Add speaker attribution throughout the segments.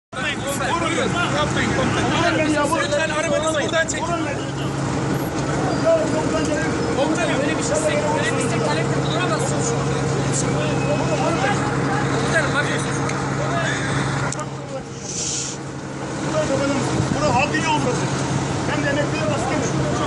Speaker 1: Yapmayın komutanım. Lütfen arabanızı buradan çekin. Komutanım öyle bir şey böyle bir istek talepte bulunamazsınız. Komutanım bakın.
Speaker 2: Bura halk yolu burası. Hem de emekliye baskın.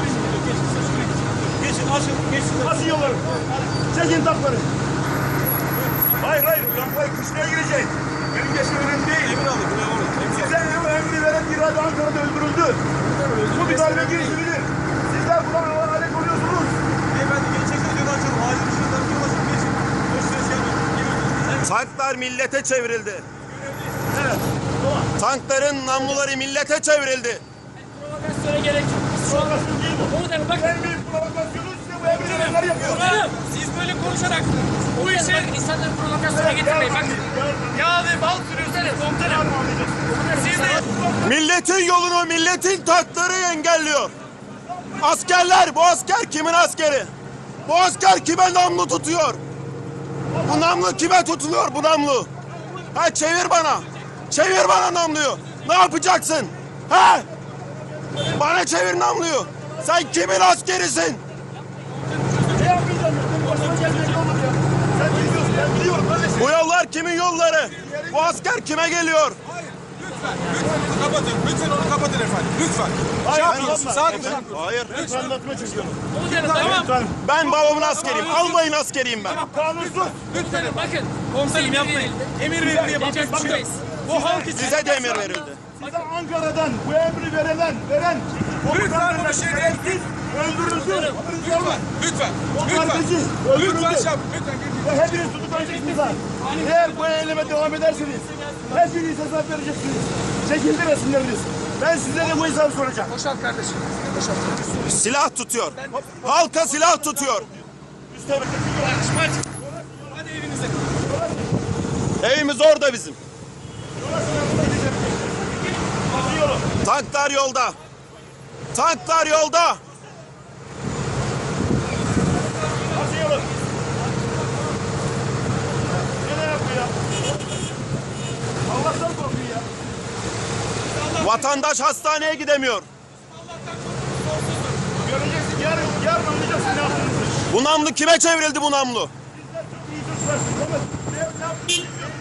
Speaker 2: Geçin, açın, geçin. Açın yolları. Çekin takları. Hayır, taklayı kışlaya girecek. Benim geçim önemli değil. Emin alın, size emri veren bir adı Ankara'da öldürüldü. Bu bir darbe girişimidir. Sizler buna alet oluyorsunuz.
Speaker 3: Beyefendi geçeceksiniz yolu açalım. Acil ışığından yol açın, geçin. Boş ver.
Speaker 4: Tanklar millete çevrildi.
Speaker 2: Evet.
Speaker 4: Tankların namluları millete çevrildi.
Speaker 1: Provokasyona gerek yok.
Speaker 2: Provokasyon değil bu.
Speaker 1: Komutanım bakın.
Speaker 2: En büyük provokasyonu size bu emri verenler yapıyor.
Speaker 1: Komutanım siz böyle konuşarak bu işe insanları provokasyona getirmeyin. Bakın.
Speaker 2: Ya ve bal sürüyorsunuz komutanım.
Speaker 1: Siz de
Speaker 4: Milletin yolunu milletin tankları engelliyor. Askerler, bu asker kimin askeri? Bu asker kime namlu tutuyor? Bu namlu kime tutuluyor bu namlu? Ha çevir bana. Çevir bana namluyu. Ne yapacaksın? Ha? Bana çevir namluyu. Sen kimin askerisin?
Speaker 2: Ne yapmayacağım ya? Benim başıma gelecek olur ya. Sen biliyorsun, ben biliyorum kardeşim.
Speaker 4: Bu yollar kimin yolları? Bu asker kime geliyor?
Speaker 3: Lütfen kapatın. Lütfen onu kapatın efendim. Lütfen.
Speaker 2: Hayır,
Speaker 3: Sakin.
Speaker 4: Hayır.
Speaker 2: Ben anlatma çekiyorum.
Speaker 1: komutanım tamam.
Speaker 4: Ben babamın askeriyim. Albayın askeriyim ben.
Speaker 2: Kanunsuz.
Speaker 1: Komutanım bakın.
Speaker 3: Komiserim yapmayın. Emir verin diye yapacak bir şey yok. Bu halk için.
Speaker 4: Size de emir verildi.
Speaker 2: Size Ankara'dan bu emri veren
Speaker 3: Lütfen bu bir şey değil.
Speaker 2: öldürüldü.
Speaker 3: Lütfen.
Speaker 2: O
Speaker 3: Lütfen.
Speaker 2: kardeşi
Speaker 3: Lütfen.
Speaker 2: öldürüldü.
Speaker 3: Lütfen. Lütfen.
Speaker 2: Ve hepiniz tutuklayacaksınız ha. Eğer bu eyleme devam ederseniz hepiniz hesap vereceksiniz. Çekildi resimleriniz. Ben sizlere bu hesabı soracağım.
Speaker 1: Boşalt kardeşim.
Speaker 4: Silah tutuyor. Halka silah tutuyor.
Speaker 3: Hadi evinize.
Speaker 4: Evimiz orada bizim.
Speaker 2: Basıyorum.
Speaker 4: Tanklar yolda. Tanklar yolda.
Speaker 2: Basıyorum. Ne yapıyor ya? Allah'tan korkuyor ya.
Speaker 4: Vatandaş hastaneye gidemiyor.
Speaker 2: Göreceksin yarın anlayacaksın ne yaptığınızı.
Speaker 4: Bu namlu kime çevrildi bu namlu?
Speaker 2: Sizler çok iyi çocuklar. Ama ne yaptığınızı